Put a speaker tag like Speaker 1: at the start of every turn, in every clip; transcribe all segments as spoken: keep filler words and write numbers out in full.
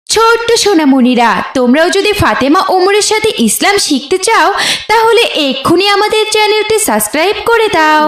Speaker 1: ছোট্ট সোনামণিরা, তোমরাও যদি ফাতেমা ওমরের সাথে ইসলাম শিখতে চাও তাহলে এক্ষুনি আমাদের চ্যানেলটি সাবস্ক্রাইব করে দাও।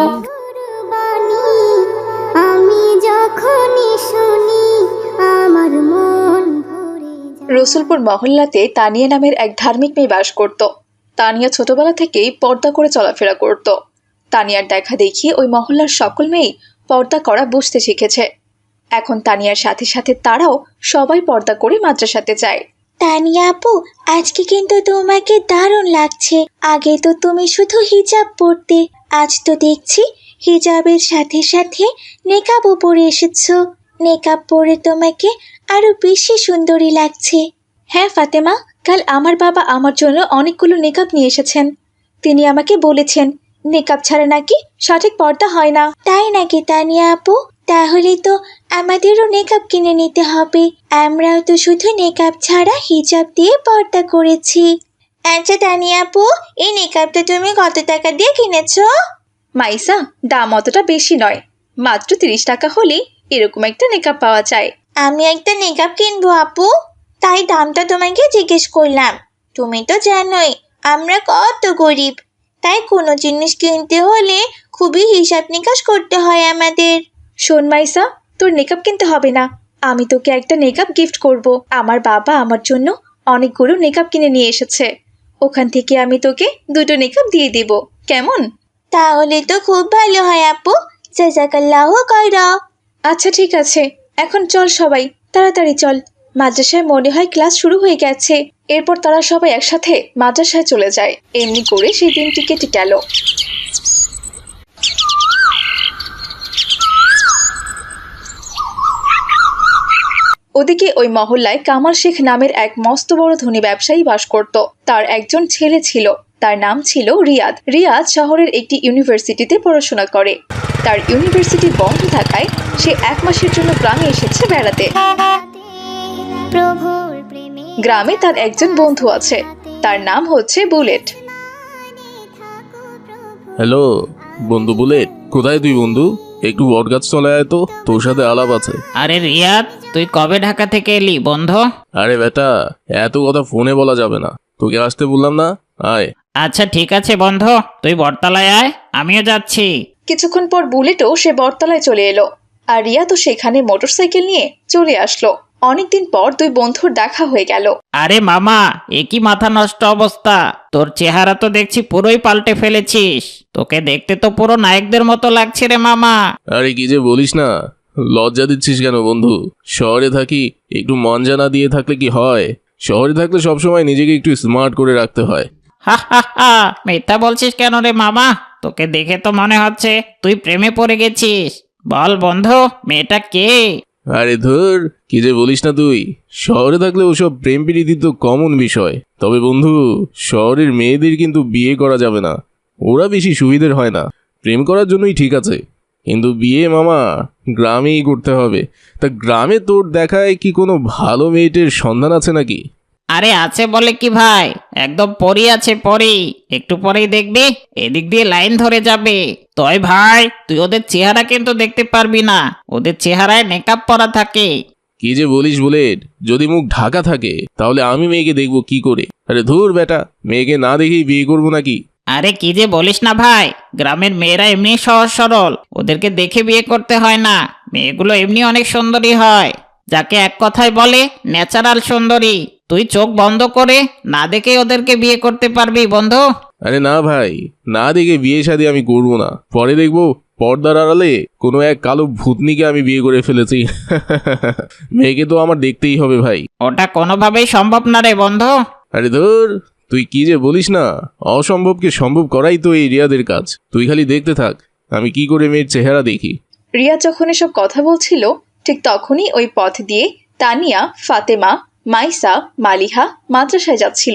Speaker 2: আমি যখনই শুনি আমার মন ভরে যায়।
Speaker 3: রসুলপুর মহল্লাতে তানিয়া নামের এক ধার্মিক মেয়ে বাস করত। তানিয়া ছোটবেলা থেকেই পর্দা করে চলাফেরা করত। তানিয়ার দেখা দেখি ওই মহল্লার সকল মেয়েই পর্দা করা বুঝতে শিখেছে। এখন তানিয়ার সাথে সাথে তারাও সবাই পর্দা করে মাদ্রাসাতে যায়।
Speaker 2: তানিয়া আপু, আজকে কিন্তু তোমাকে দারুণ লাগছে। আগে তো তুমি শুধু হিজাব পরতে, আজ তো দেখছি হিজাবের সাথে সাথে নেকাবও পরে এসেছো। নেকাব পরে তোমাকে আরো বেশি সুন্দরী লাগছে।
Speaker 3: হ্যাঁ ফাতেমা, কাল আমার বাবা আমার জন্য অনেকগুলো নেকাব নিয়ে এসেছেন। তিনি আমাকে বলেছেন নেকাব ছাড়া নাকি সঠিক পর্দা হয় না।
Speaker 2: তাই নাকি তানিয়া আপু? তাহলে তো আমাদেরও নেকাব কিনে নিতে হবে। আমরাও তো শুধু নেকাব ছাড়া হিজাব দিয়ে পর্দা করেছি। আচ্ছা তানিয়া আপু, এই নেকাবটা তুমি কত টাকা দিয়ে কিনেছো?
Speaker 3: মাইসা, দাম অতটা বেশি নয়, মাত্র তিরিশ টাকা হলেই এরকম একটা নেকাব পাওয়া যায়।
Speaker 2: আমি একটা নেকাব কিনবো আপু, তাই দামটা তোমাকে জিজ্ঞেস করলাম। তুমি তো জানোই আমরা কত গরিব, তাই কোনো জিনিস কিনতে হলে খুবই হিসাব নিকাশ করতে হয় আমাদের।
Speaker 3: শোন মাইসা, তোর নেকাব কিনতে হবে না, আমি তোকে একটা নেকাব গিফট করব। আমার বাবা আমার জন্য অনেকগুলো নেকাব কিনে নিয়ে এসেছে, ওখান থেকে আমি তোকে দুটো নেকাব দিয়ে দেব, কেমন?
Speaker 2: তাহলে তো খুব ভালো হয় আপু, জাযাকাল্লাহু খায়রা।
Speaker 3: আচ্ছা ঠিক আছে, এখন চল সবাই, তাড়াতাড়ি চল। মাদ্রাসায় মনে হয় ক্লাস শুরু হয়ে গেছে। এরপর তারা সবাই একসাথে মাদ্রাসায় চলে যায়। এমনি করে সেই দিনটি কেটে গেল। ওদিকে ওই মহল্লায় কামাল শেখ নামের এক মস্ত বড় ধনী ব্যবসায়ী বাস করত। তার একজন ছেলে ছিল, তার নাম ছিল রিয়াদ। রিয়াদ শহরের একটি ইউনিভার্সিটিতে পড়াশোনা করে। তার ইউনিভার্সিটি বন্ধ থাকায় সে এক মাসের জন্য গ্রামে এসেছে বেড়াতে।
Speaker 2: প্রভুর প্রেমে
Speaker 3: গ্রামে তার একজন বন্ধু আছে, তার নাম হচ্ছে বুলেট।
Speaker 4: হ্যালো বন্ধু বুলেট, কোথায় তুই বন্ধু? একটু বটগাছ চলে আয় তো, তোর সাথে আলাপ আছে।
Speaker 5: আরে রিয়াদ, তুই কবে ঢাকা থেকে এলি বন্ধু?
Speaker 4: আরে বেটা, এত কথা ফোনে বলা যাবে না, তোকে আসতে বললাম না, আয়।
Speaker 5: আচ্ছা ঠিক আছে বন্ধু, তুই বটতলায় আয়, আমিও যাচ্ছি।
Speaker 3: কিছুক্ষণ পর বুলেটও সে বটতলায় চলে এলো, আর রিয়া তো সেখানে মোটরসাইকেল নিয়ে চলে আসলো। অনেকদিন পর দুই বন্ধুর দেখা হয়ে গেল।
Speaker 5: আরে মামা, এ কি মাথা নষ্ট অবস্থা! তোর চেহারা তো দেখছি পুরোই পাল্টে ফেলেছিস। তোকে দেখতে তো পুরো নায়কদের মতো লাগছে রে মামা।
Speaker 4: আরে কি যে বলিস না, লজ্জা দিচ্ছিস কেন বন্ধু? শহরে থাকি, একটু মন জানা দিয়ে থাকলে কি হয়? শহরে থাকলে সবসময় নিজেকে একটু স্মার্ট করে রাখতে হয়।
Speaker 5: হা হা হা, মিথ্যা বলছিস কেন রে মামা? তোকে দেখে তো মনে হচ্ছে তুই প্রেমে পড়ে গেছিস। বল বন্ধু, মেয়েটা কে?
Speaker 4: আরে ধুর, কি যে বলিস না তুই। শহরে থাকলে ওসব প্রেম প্রীতি তো কমন বিষয়। তবে বন্ধু, শহরের মেয়েদের কিন্তু বিয়ে করা যাবে না, ওরা বেশি সুবিধের হয় না। প্রেম করার জন্যই ঠিক আছে, কিন্তু বিয়ে মামা গ্রামেই করতে হবে। তা গ্রামে তোর দেখায় কি কোনো ভালো মেয়েটের সন্ধান আছে নাকি?
Speaker 5: আরে আছে বলে কি ভাই, একদম পরি আছে পরি। একটু পরেই দেখবি এদিক দিয়ে লাইন ধরে যাবে। তয় ভাই, তুই ওদের চেহারা কিন্তু দেখতে পারবি না, ওদের চেহারায় মেকআপ পরা থাকে।
Speaker 4: কি যে বলিস বুলেট, যদি মুখ ঢাকা থাকে তাহলে আমি মেয়েকে দেখবো কি করে? আরে ধুর বেটা, মেয়েকে না দেখেই বিয়ে করবো নাকি?
Speaker 5: আরে কি যে বলিস না ভাই, গ্রামের মেয়েরা এমনি সহজ সরল, ওদেরকে দেখে বিয়ে করতে হয় না। মেয়েগুলো এমনি অনেক সুন্দরী হয়, যাকে এক কথায় বলে ন্যাচারাল সুন্দরী। তুই চোখ বন্ধ করে না দেখে ওদেরকে বিয়ে করতে পারবি বন্ধু।
Speaker 4: আরে না ভাই, না দেখে বিয়ে শাদী আমি করবো না। পরে দেখবো পর্দার আড়ালে কোনো এক কালো ভূতনিকে আমি বিয়ে করে ফেলেছি। মেয়েকে তো আমার দেখতেই হবে ভাই।
Speaker 5: ওটা কোনোভাবেই সম্ভব না রে বন্ধু।
Speaker 4: আরে ধর, তুই কি যে বলিস না, অসম্ভবকে সম্ভব করাই তো এই রিয়াদের কাজ। তুই খালি দেখতে থাক আমি কি করে মেয়ের চেহারা দেখি।
Speaker 3: রিয়া যখন এসব কথা বলছিল ঠিক তখনই ওই পথ দিয়ে তানিয়া, ফাতেমা, মাইসা, মালিহা মাদ্রাসায় যাচ্ছিল।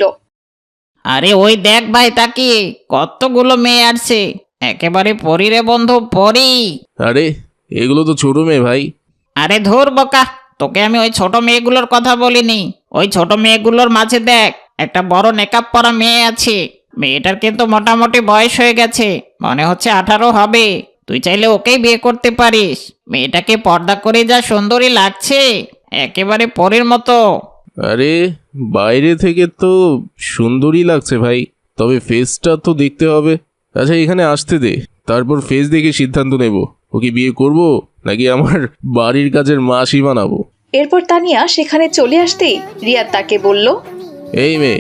Speaker 5: আরে ওই দেখ ভাই, তাকিয়ে কতগুলো মেয়ে আসছে, একেবারে পরি রে বন্ধু, পরি।
Speaker 4: আরে এগুলো তো ছোট মেয়ে ভাই।
Speaker 5: আরে ধুর বোকা, তোকে আমি ওই ছোট মেয়েগুলোর কথা বলিনি। ওই ছোট মেয়েগুলোর মাঝে দেখ একটা বড় নেকাপ পরা মেয়ে আছে। মেয়েটার কিন্তু মোটামুটি বয়স হয়ে গেছে, মনে হচ্ছে আঠারো হবে। তুই চাইলে ওকেই বিয়ে করতে পারিস। মেয়েটাকে পর্দা করে যা সুন্দরী লাগছে, একেবারে পরীর মতো।
Speaker 4: আরে বাইরে থেকে তো সুন্দরই লাগছে ভাই, তবে ফেসটা তো দেখতে হবে। আচ্ছা এখানে আসতে দে, তারপর ফেস দেখে সিদ্ধান্ত নেব ওকে বিয়ে করব নাকি আমার বাড়ির কাজের মাসি বানাবো।
Speaker 3: এরপর তানিয়া সেখানে চলে আসতেই রিয়াদ তাকে বলল,
Speaker 4: এই মেয়ে,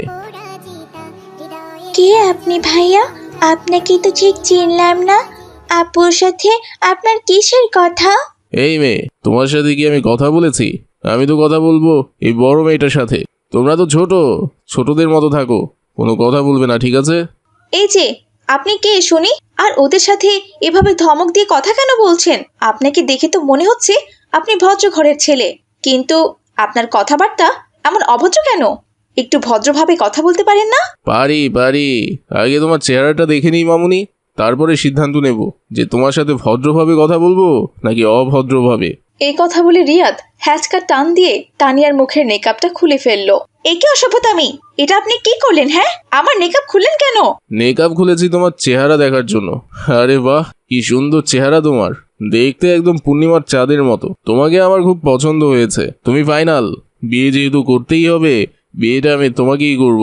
Speaker 2: কে আপনি ভাইয়া? আপনাকে তো ঠিক চিনলাম না। আপুর সাথে আপনার কিসের কথা?
Speaker 4: এই মেয়ে, তোমার সাথে কি আমি কথা বলেছি? আমি তো কথা বলবো এই বড় মেয়েটার সাথে। তোমরা তো ছোট, ছোটদের মতো থাকো, কোনো কথা বলবে না, ঠিক আছে?
Speaker 3: এই যে আপনি কে শুনি, আর ওদের সাথে এভাবে ধমক দিয়ে কথা কেন বলছেন? আপনাকে দেখে তো মনে হচ্ছে আপনি ভদ্র ঘরের ছেলে, কিন্তু আপনার কথাবার্তা এমন অভদ্র কেন? একটু ভদ্রভাবে কথা বলতে পারেন না?
Speaker 4: পারি পারি, আগে তোমার চেহারাটা দেখে নিই মামুনি, তারপরে সিদ্ধান্ত নেব যে তোমার সাথে ভদ্রভাবে কথা বলবো নাকি অভদ্রভাবে।
Speaker 3: এই কথা বলে রিয়াদ হ্যাচকা টান দিয়ে তানিয়ার মুখের মেকআপটা খুলে ফেললো। একে অসভ্যতামি, এটা আপনি কি করলেন? হ্যাঁ, আমার মেকআপ খুললেন কেন?
Speaker 4: মেকআপ খুলেছি তোমার চেহারা দেখার জন্য। আরে বাহ, কি সুন্দর চেহারা তোমার, দেখতে একদম পূর্ণিমার চাঁদের মতো। তোমাকে আমার খুব পছন্দ হয়েছে। তুমি ফাইনাল, বিয়ে যেহেতু করতেই হবে, বিয়েটা আমি তোমাকেই করব।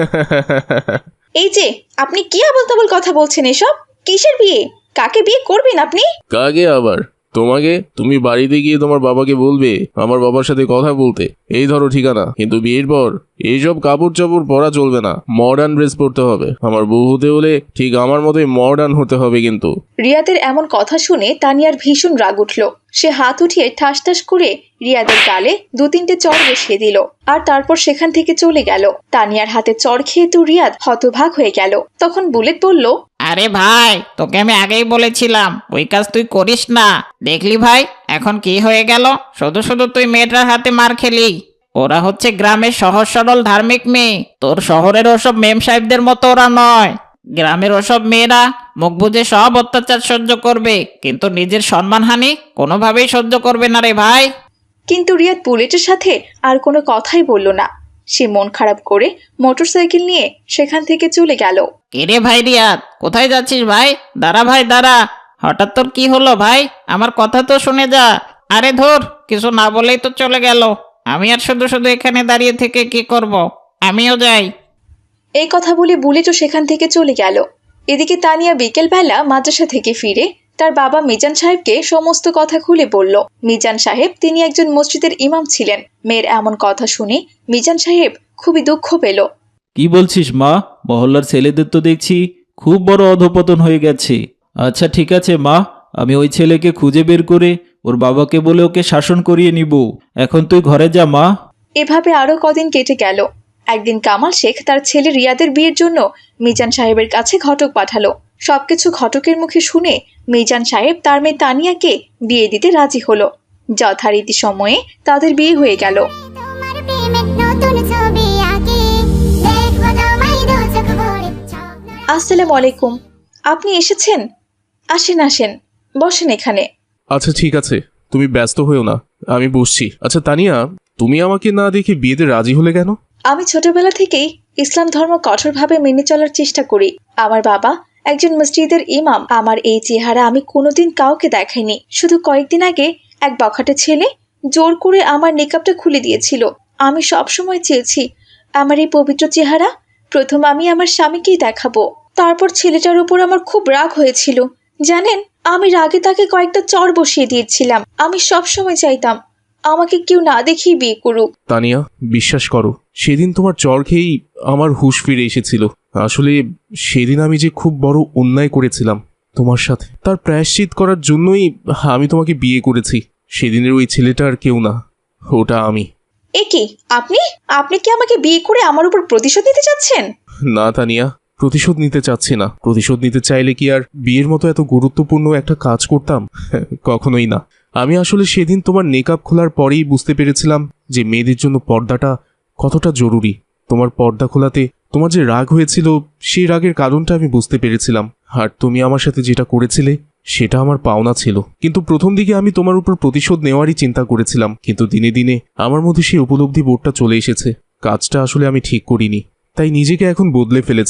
Speaker 3: এই যে আপনি কি আবল তাবল কথা বলছেন এসব? কিসের বিয়ে? কাকে বিয়ে করবেন আপনি?
Speaker 4: কাকে আবার? তোমাকে। তুমি বাড়িতে গিয়ে তোমার বাবাকে বলবে আমার বাবার সাথে কথা বলতে, এই ধরো ঠিকানা। কিন্তু বিয়ের পর এইসব কাপড় চাপড় পরা চলবে না, মডার্ন ড্রেস পরতে হবে। আমার বউ হতে হলে ঠিক আমার মতোই মডার্ন হতে হবে কিন্তু।
Speaker 3: রিয়াদের এমন কথা শুনে তানিয়ার ভীষণ রাগ উঠল। সে হাত উঠিয়ে ঠাস ঠাস করে রিয়াদের গালে দু তিনটে চড় বসিয়ে দিল, আর তারপর সেখান থেকে চলে গেল। তানিয়ার হাতে চড় খেয়ে তো রিয়াদ হতভাগ হয়ে গেল। তখন বুলেট বলল,
Speaker 5: আরে ভাই, তোকে আমি আগেই বলেছিলাম ওই কাজ তুই করিস না। দেখলি ভাই এখন কি হয়ে গেল? শুধু শুধু তুই মেয়েটার হাতে মার খেলি। ওরা হচ্ছে গ্রামের সহজ সরল ধার্মিক মেয়ে, তোর শহরের ওসব মেম সাহেবদের মতো ওরা নয়। গ্রামের ওসব মেয়েরা মুখ বুজে সব অত্যাচার সহ্য করবে, কিন্তু নিজের সম্মানহানি কোনোভাবেই সহ্য করবে না রে ভাই।
Speaker 3: কিন্তু রিয়াদ বুলেটের সাথে আর কোনো কথাই বলল না। সে মন খারাপ করে মোটরসাইকেল নিয়ে সেখান থেকে চলে গেল।
Speaker 5: কিরে ভাই রিয়াদ, কোথায় যাচ্ছিস ভাই? দাঁড়া ভাই দাঁড়া, হঠাৎ তোর কি হলো ভাই? আমার কথা তো শুনে যা। আরে ধুর, কিছু না বলেই তো চলে গেল। আমি আর শুধু শুধু এখানে দাঁড়িয়ে থেকে কি করব? আমিও যাই।
Speaker 3: এই কথা বলে বুলেটও সেখান থেকে চলে গেল। এদিকে তানিয়া বিকেলবেলা মাদ্রাসা থেকে ফিরে তার বাবা মিজান সাহেবকে সমস্ত কথা খুলে বলল। মিজান সাহেব তিনি একজন মসজিদের ইমাম ছিলেন। মেয়ের এমন কথা শুনে মিজান সাহেব খুবই দুঃখ পেল।
Speaker 6: কি বলছিস মা? মহল্লার ছেলেদের তো দেখছি খুব বড় অধপতন হয়ে গেছে। আচ্ছা ঠিক আছে মা, আমি ওই ছেলেকে খুঁজে বের করে ওর বাবাকে বলে ওকে শাসন করিয়ে নিব। এখন তুই ঘরে যা মা।
Speaker 3: এভাবে আরো কদিন কেটে গেল। একদিন কামাল শেখ তার ছেলে রিয়াদের বিয়ের জন্য মিজান সাহেবের কাছে ঘটক পাঠালো। সবকিছু ঘটকের মুখে শুনে মিজান সাহেব তার মেয়ে তানিয়াকে বিয়ে দিতে রাজি হলো। যথারীতি সময়ে তাদের বিয়ে হয়ে গেল। আসসালামু আলাইকুম, আপনি এসেছেন? আসেন আসেন, বসেন এখানে।
Speaker 4: আচ্ছা ঠিক আছে, তুমি ব্যস্ত হয়েও না, আমি বসছি। আচ্ছা তানিয়া, তুমি আমাকে না দেখে বিয়েতে রাজি হলে কেন?
Speaker 3: আমি ছোটবেলা থেকেই ইসলাম ধর্ম কঠোরভাবে মেনে চলার চেষ্টা করি। আমার বাবা একজন মসজিদের ইমাম। আমার এই চেহারা আমি কোনোদিন কাউকে দেখাইনি। শুধু কয়েকদিন আগে এক বখাটে ছেলে জোর করে আমার নিকাবটা খুলে দিয়েছিল। আমি সবসময় চেয়েছি আমার এই পবিত্র চেহারা প্রথম আমি আমার স্বামীকেই দেখাবো। তারপর ছেলেটার উপর আমার খুব রাগ হয়েছিল। জানেন, আমি রাগে তাকে কয়েকটা চড় বসিয়ে দিয়েছিলাম। আমি সবসময় চাইতাম আমাকে কেউ না দেখেই বিয়ে করুক।
Speaker 4: তানিয়া, বিশ্বাস করো, সেদিন তোমার চর খেয়েই আমার হুঁশ ফিরে এসেছিল। আসলে সেদিন আমি যে খুব বড় অন্যায় করেছিলাম তোমার সাথে, তার প্রায়শ্চিত করার জন্যই আমি তোমাকে বিয়ে করেছি। সেদিনের ওই ছেলেটা আর কেউ না, ওটা আমি।
Speaker 3: এ কি, আপনি আপনি কি আমাকে বিয়ে করে আমার উপর প্রতিশোধ নিতে চাচ্ছেন?
Speaker 4: না তানিয়া, প্রতিশোধ নিতে চাচ্ছি না। প্রতিশোধ নিতে চাইলে কি আর বিয়ের মতো এত গুরুত্বপূর্ণ একটা কাজ করতাম? কখনোই না। আমি আসলে সেদিন তোমার নেকাব খোলার পরেই বুঝতে পেরেছিলাম যে মেয়েদের জন্য পর্দাটা কতটা জরুরি। তোমার পর্দা খোলাতে তোমার যে রাগ হয়েছিল, সেই রাগের কারণটা আমি বুঝতে পেরেছিলাম। আর তুমি আমার সাথে যেটা করেছিলে সেটা আমার পাওনা ছিল। কিন্তু প্রথম দিকে আমি তোমার উপর প্রতিশোধ নেওয়ারই চিন্তা করেছিলাম, কিন্তু দিনে দিনে আমার মধ্যে সেই উপলব্ধি বোধটা চলে এসেছে। কাজটা আসলে আমি ঠিক করিনি, তাই নিজেকে এখন বদলে ফেলেছি।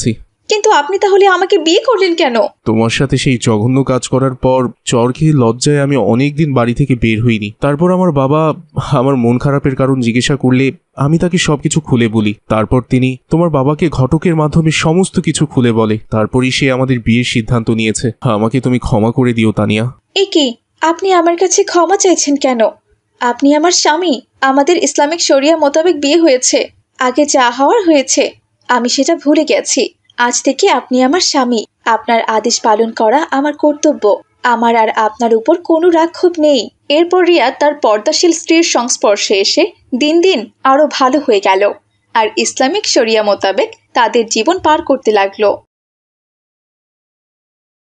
Speaker 3: কিন্তু আপনি তাহলে আমাকে বিয়ে করলেন কেন?
Speaker 4: তোমার সাথে সেই জঘন্য কাজ করার পর চর খেয়ে লজ্জায় আমি অনেকদিন বাড়ি থেকে বের হইনি। তারপর আমার বাবা আমার মন খারাপের কারণ জিজ্ঞাসা করলে আমি তাকে সবকিছু খুলে বলি। তারপর তিনি তোমার বাবাকে ঘটকের মাধ্যমে সমস্ত কিছু খুলে বলে। তারপরই সে আমাদের বিয়ের সিদ্ধান্ত নিয়েছে। আমাকে তুমি ক্ষমা করে দিও তানিয়া।
Speaker 3: এ কি, আপনি আমার কাছে ক্ষমা চাইছেন কেন? আপনি আমার স্বামী। আমাদের ইসলামিক শরিয়া মোতাবেক বিয়ে হয়েছে। আগে যা হওয়ার হয়েছে, আমি সেটা ভুলে গেছি। আজ থেকে আপনি আমার স্বামী। আপনার আদেশ পালন করা আমার কর্তব্য। আমার আর আপনার উপর কোনো রাক্ষোভ নেই। এরপর রিয়াদ তার পর্দাশীল স্ত্রীর সংস্পর্শে এসে দিন দিন আরো ভালো হয়ে গেল আর ইসলামিক শরিয়া মোতাবেক তাদের জীবন পার করতে লাগলো।